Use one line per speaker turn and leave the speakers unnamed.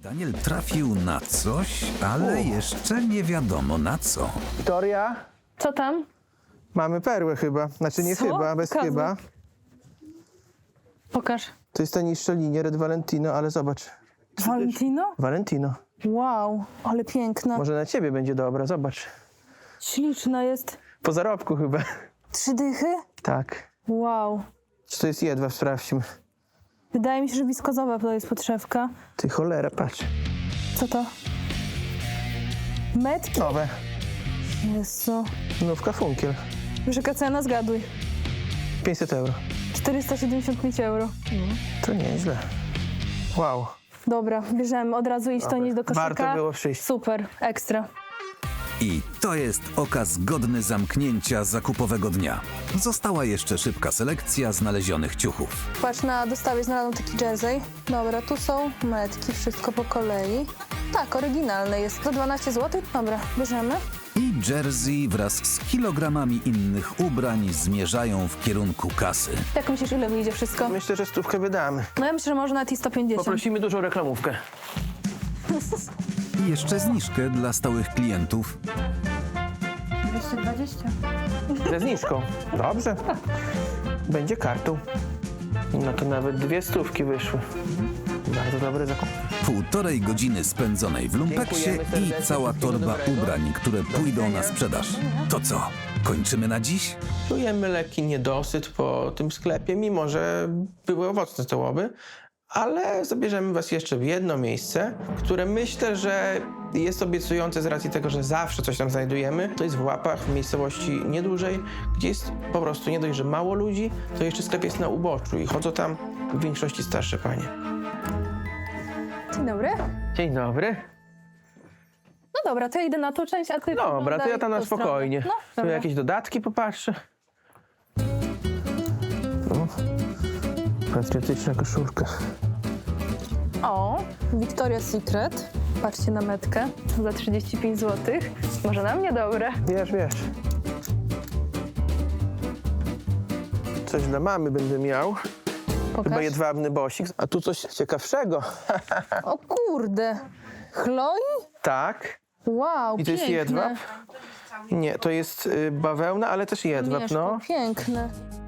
Daniel trafił na coś, ale jeszcze nie wiadomo na co.
Wiktoria,
Co tam?
mamy perłę chyba. Znaczy nie
Co?
chyba, bez
Pokazuj.
chyba.
Pokaż.
To jest ta niższa linia, Red Valentino, ale zobacz.
Valentino?
Valentino.
Wow, ale piękna.
Może na ciebie będzie dobra, zobacz.
Śliczna jest.
Po zarobku chyba.
3 dychy?
Tak.
Wow.
Czy to jest jedwab? Sprawdźmy.
Wydaje mi się, że wiskozowa to jest podszewka.
Ty cholera, patrz.
Co to? Metki?
Nowe.
Jezu.
Nówka Funkiel.
Jaka cena? Zgaduj.
500 euro.
475 euro.
To nieźle. Wow.
Dobra, bierzemy. Od razu iść to nieść do koszyka.
Warto było przyjść.
Super, ekstra.
I to jest okaz godny zamknięcia zakupowego dnia. Została jeszcze szybka selekcja znalezionych ciuchów.
Patrz, na dostawie znalazłam taki jersey. Dobra, tu są metki, wszystko po kolei. Tak, oryginalne jest. Za 12 zł? Dobra, bierzemy.
I jersey wraz z kilogramami innych ubrań zmierzają w kierunku kasy.
Jak myślisz, ile wyjdzie wszystko?
Myślę, że 100 wydamy.
No ja myślę, że może nawet i 150.
Poprosimy dużą reklamówkę.
I jeszcze zniżkę dla stałych klientów.
220.
Ze zniżką. Dobrze. Będzie kartą. No to nawet 200 wyszły. Bardzo dobry zakup.
1,5 godziny spędzonej w lumpeksie
Dziękujemy
i
serdecznie,
cała
wszystkiego
torba
dobrego.
ubrań, które pójdą na sprzedaż. To co, kończymy na dziś?
Czujemy lekki niedosyt po tym sklepie, mimo że były owocne te łoby, ale zabierzemy was jeszcze w jedno miejsce, które myślę, że jest obiecujące z racji tego, że zawsze coś tam znajdujemy. To jest w Łapach, w miejscowości niedużej, gdzie jest po prostu nie dość, że mało ludzi, to jeszcze sklep jest na uboczu i chodzą tam w większości starsze panie.
Dzień dobry.
Dzień dobry.
No dobra, to ja idę na tą część, a ty
Dobra, to
podglądaj
ja tam na
tą stronę.
spokojnie.
No,
Tu
dobra.
jakieś dodatki popatrzę. No. Patriotyczna koszulka.
O, Victoria's Secret. Patrzcie na metkę za 35 zł. Może na mnie dobre.
Wiesz. Coś dla mamy będę miał. Chyba
Pokaż.
jedwabny bosik. A tu coś ciekawszego.
O kurde. Chloe?
Tak.
Wow,
I to jest
piękne.
jedwab? Nie, to jest bawełna, ale też jedwab,
Mieszko,
no.
piękne.